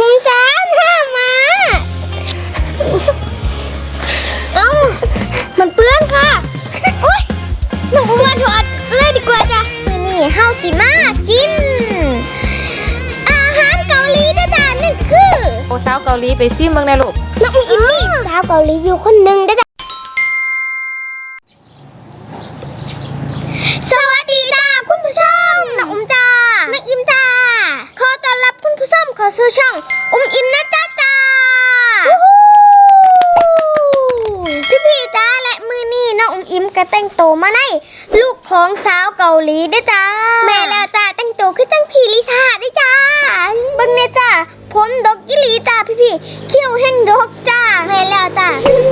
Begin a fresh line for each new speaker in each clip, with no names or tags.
จ้าห้ามาเอ้ามันเปื้อนค่ะโอ๊ยหนูมาถอดเลยดีกว่าจ้ะมื้อนี้เฮาสิมากินอาหารเกาหลีจ้ะนั่นคือ
โอ้สาวเกาหลีไปซิมเมืองในลูก
น้องอิมมี่สาวเกาหลีอยู่คนหนึ่งจ้ะสวัสดีจ้าคุณผู้ชมน้องอุ้มจ้าน้องอิมจ้าขอต้อนรับคุณผู้ชมเข้าสู่ช่องอุ้มอิมนะจ้าพี่จ้าและมือนี่น้องอุ้มอิมก็แต่งตัวมาในลูกของสาวเกาหลีด้วยจ้าแม่แล้วจ้าแต่งตัวคือจังพีลิซ่าด้วยจ้าเบิ่งเนี่ยจ้าผมดกอีหลีจ้าพี่เขี้ยวแห้งดกจ้าแม่แล้วจ้า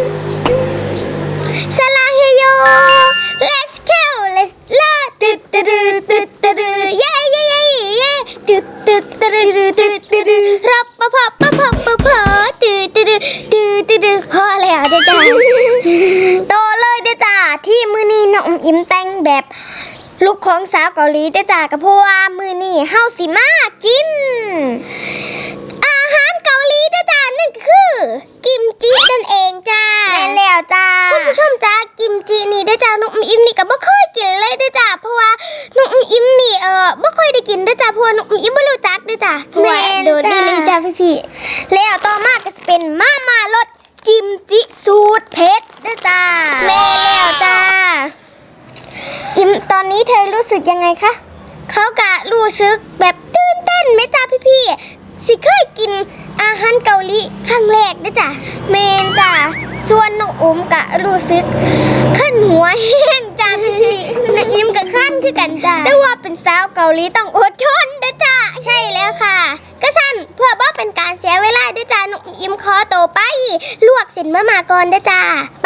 สลาเฮโย let's go let's la ตึ๊ดตึ๊ดตึ๊ดตึ๊ดเย้เย้เย้เย้ตึ๊ดตึ๊ดตึ๊ดตึ๊ดตึ๊ดรับปะพะปะพะปะพะตึ๊ดตึ๊ดตึ๊ดตึ๊ดพอแล้วจ้าโตเลยเด้อจ้าที่มือนี้น้องอิมแต่งแบบลูกของสาวเกาหลีเด้อจ้าก็เพราะว่ามือนี้เฮาสิมากินอาหารเกาหลีเด้อจ้านั่นคือกิมจินั่นเองจ้าแม่นแล้วจ้าคุณผู้ชมจ้ากิมจินี่เด้อจ้าน้องอิมนี่ก็บ่เคยกินเลยเด้อจ้าเพราะว่าน้องอิมนี่บ่ค่อยได้กินเด้อจ้าเพราะว่าน้องอิมบ่รู้จักเด้อจ้าแม่นโดดนี่เลยจ้าพี่ๆแล้วต่อมาก็จะเป็นมารสกิมจิสูตรเผ็ดเด้อจ้าแม่แล้วจ้าอิมตอนนี้เธอรู้สึกยังไงคะเขากะรู้สึกแบบตื่นเต้นไหมจ้าพี่ๆสิเคยกินอาหารเกาหลีครั้งแรกเด้อจ้าเมนจ้าส่วนน้องอุ้มกะรู้สึกขั้นหัวแห้งจ้าพี่ๆน้องอิมกับขั้นคือกันจ้าแต่ว่าเป็นสาวเกาหลีต้องอดทนเด้อจ้าใช่แล้วค่ะก็สั่นเพื่อบ่เป็นการเสียเวลาเด้อจ้าน้องอิมขอตัวไปลวกเส้นมะม่าก่อนเด้อจ้าไป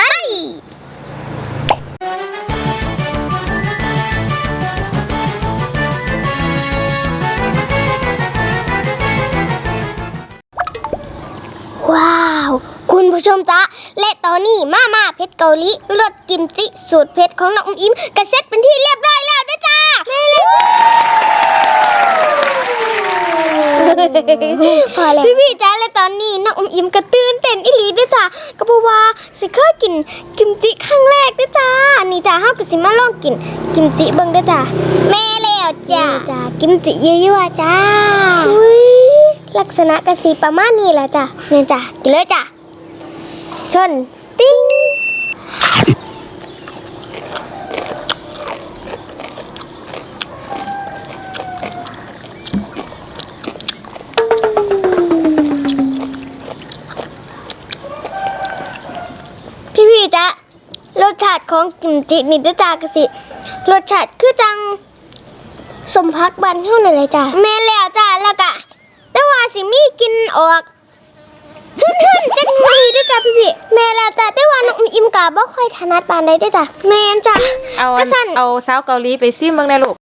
ว้าวคุณผู้ชมจ๊ะและตอนนี้มาเผ็ดเกาหลีรสกิมจิสูตรเผ็ดของน้องอิมก็เสร็จเป็นที่เรียบร้อยแล้วนะจ้าพอแล้วพี่จ้าและตอนนี้น้องอิมก็ตื่นเต้นอีหลีด้วยจ้าก็เพราะว่าสิเคยกินกิมจิครั้งแรกด้วยจ้านี่จ้าเฮาก็สิมาลองกินกิมจิเบิ่งด้วยจ้าแม่แล้วจ้ากิมจิยั่วๆจ้าลักษณะกระสีประมาณนี้แหละจ้ะเนี่ยจ้ะกินเลยจ้ะชนติ้งพี่ๆจ้ะรสชาติของกิมจินี่ด้วยจ้ากระสีรสชาติคือจังสมพักบันเท่านั้นเลยจ้ะแม่แล้วจ้ะแล้วก็แต่ว่าสิมีกินออกขึ้นจังมีด้วยจ้ะพี่แม่แล้วจ้ะแต่ว่าน้องอิมกะบ่ค่อยถนัดปานใดด้วยจ้ะแม่นจ้ะ
เอาสาวเกาหลีไปซิมเมืองในลูก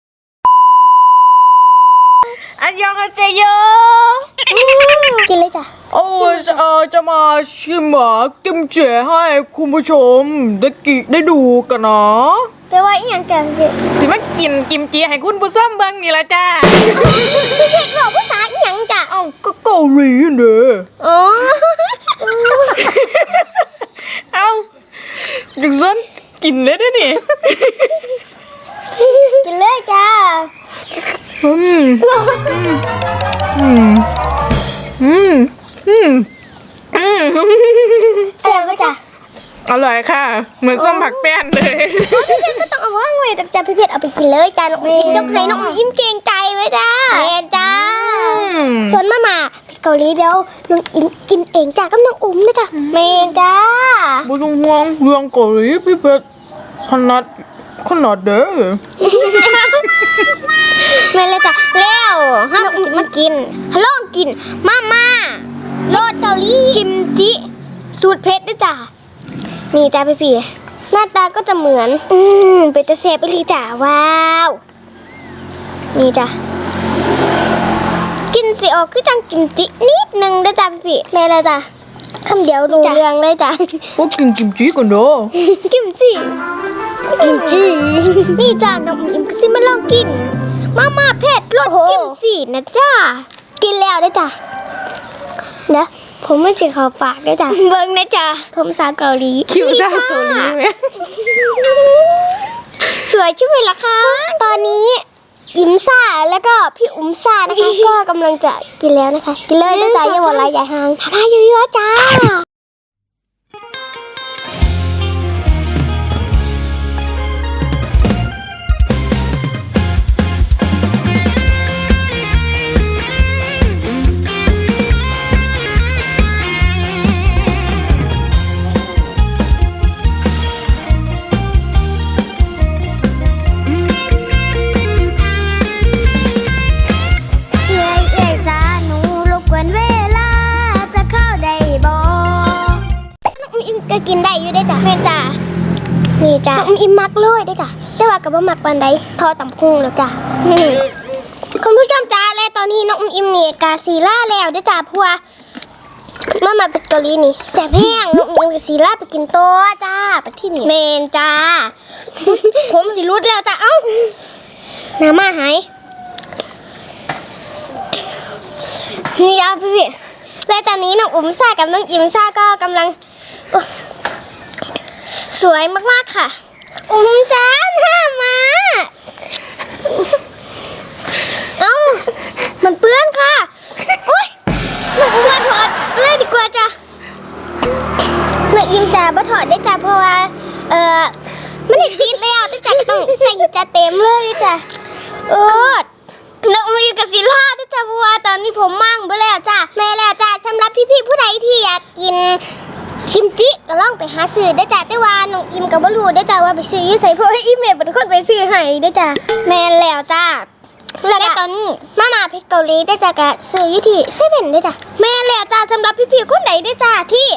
อันยองอาเซโย
กินเลยจ้ะ
จะมาชิมกิมจิให้คุณผู้ชมได้ดูกันนะ
แปลว่าอีหยังจ้ะพี่
สิมากินกิมจิให้คุณผู้ชมเบิ่งนี่ล่ะจ้า
พี่เพชรบอกภาษาอีหยังจ้ะ
ก็เกาหลีเด้อ
จังซั่นกินเลยเด้อนี่
กินเลยจ้าเสียบจ้ะ
อร่อยค่ะเหมือนส้มผักแป้นเลย
พี่เพชรก็ต้องเอาว่างไว้จ้ะพี่เพชรเอาไปกินเลยจ้าน้องอิมยกให้น้องอิมเก่งใจไว้จ้าแม่จ้าชวนมาพี่เกาหลีเดี๋ยวน้องอิมกินเองจ้ากับน้องอุ้มนะจ้ะแม่จ้า
บ่ต้องห่วงเรื่องเกาหลีพี่เพชรขนาดเด้อ
แม่เลยจ้ะแล้วห้ามสิมากินลองกินโรสเกาหลีกิมจิสูตรเผ็ดด้วยจ้ะนี่จ้าพี่หน้าตาก็จะเหมือนเป็นตะเสบไปเลยจ้ะว้าวนี่จ้ะกินสิออกคือจังกิมจินิดนึงด้วยจ้ะพี่แม่เลยจ้ะคำเดียวรู้เรื่องเลยจ้ะ
ก็กินกิมจิกันเด้อ
กิมจินี่จ้ะน้องอิมก็สิมาลองกินมาเผ็ดรสกิมจินะจ้ากินแล้วได้จ้ะเดี๋ยวผมไม่สิเขาปากด้วยจ้ะเบิ่งนะจ้ะผมสาวเกาหลี
คิวซ่าเกาหลีไหม
สวยใช่ไหมล่ะคะ ตอนนี้อิมซ่าแล้วก็พี่อุ้มซ่านะคะ ก็กำลังจะกินแล้วนะคะ กินเลยนะจ๊ะอย่าหวานลายใหญ่หางทานเยอะๆจ้า เอ้ยเอ้ยจ้าหนูรบกวนเวลาจะเข้าได้บ่น้องอิมก็กินได้อยู่ได้จ้ะแม่จ้านี่จ้าน้องอิมมักเลยได้จ้ะแต่ว่ากับบ่มักปานใดทอตำพุงแล้วจ้ะคุณผู้ชมจ้าและตอนนี้น้องอิมนี่กาซีล่าแล้วได้จ้ะเพราะว่ามาเป็นเกาหลีนี่แสบแห้งน้องอิมกับซีล่าไปกินโต๊ะจ้าไปที่นี่เมนจ้า ผมสิรุดแล้วจ้ะเอ้าน้ำมาหาย นี่ยาพี่และตอนนี้น้องอุ้มซ่ากับน้องอิมซ่าก็กำลังสวยมากๆค่ะ อุ้มจ้าหน้ามาเอ้ามันเปื้อนค่ะโอ๊ยน้องอุ้มมาถอดเลยดีกว่าจ้ะน้องอิมจ้ามาถอดได้จ้ะเพราะว่ามันติดแล้วแต่จ้ะก็ต้องใส่จ้ะเต็มเลยจ้ะน้องมีกับศิลาด้วยจ้ะเพราะว่าตอนนี้ผมมั่งไปแล้วจ้ะแม่แล้วจ้ะสำหรับพี่ๆผู้ใดที่อยากกินกิมจิก็ลองไปหาซื้อได้จ้ะแต่ว่าน้องอิมกับบลูได้จ้ะว่าไปซื้ออยู่ใส่เพราะว่าอีเมลเป็นคนไปซื้อให้ได้จ้ะแม่แล้วจ้ะแล้วตอนนี้มาเพชรเกาหลีได้จ้ะก็ซื้ออยู่ที่เซเว่นได้จ้ะแม่แล้วจ้ะสำหรับพี่ๆคนไหนได้จ้ะที่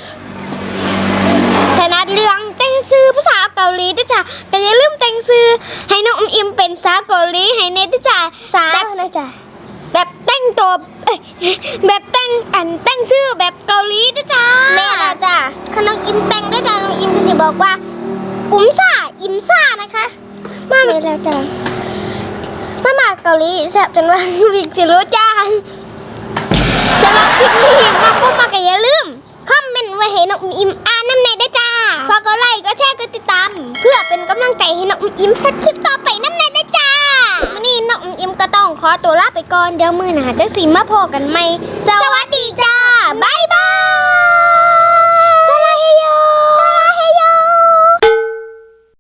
ถนัดเรื่องแต่งซื้อภาษาเกาหลีด้วยจ้ะแต่อย่าลืมแต่งซื้อให้น้องอิมเป็นสาวเกาหลีให้เน็ตด้วยจ้ะสาวนะจ้ะแบบแต่งตัวแบบแต่งซื้อแบบเกาหลีด้วยจ้ะแม่แล้วจ้ะถ้าน้องอิมแต่งด้วยจ้ะน้องอิมก็จะบอกว่าอิมซ่านะคะมาแม่แล้วจ้ะมาเกาหลีแซ่บจนว่าวิกสิรู้จ้าสำหรับคลิปนี้มาก็มาก็อย่าลืมคอมเมนต์ไว้ให้น้องอิมอ่านน้ำในได้จ้าฝากกดไลค์ก็แชร์ก็ติดตามเพื่อเป็นกำลังใจให้น้องอิมเฮ็ดคลิปต่อไปน้ำในได้จ้าวันนี้น้องอิมก็ต้องขอตัวลาไปก่อนเดี๋ยวมื้อหน้าจะสิมาพบกันใหม่สวัสดีจ้า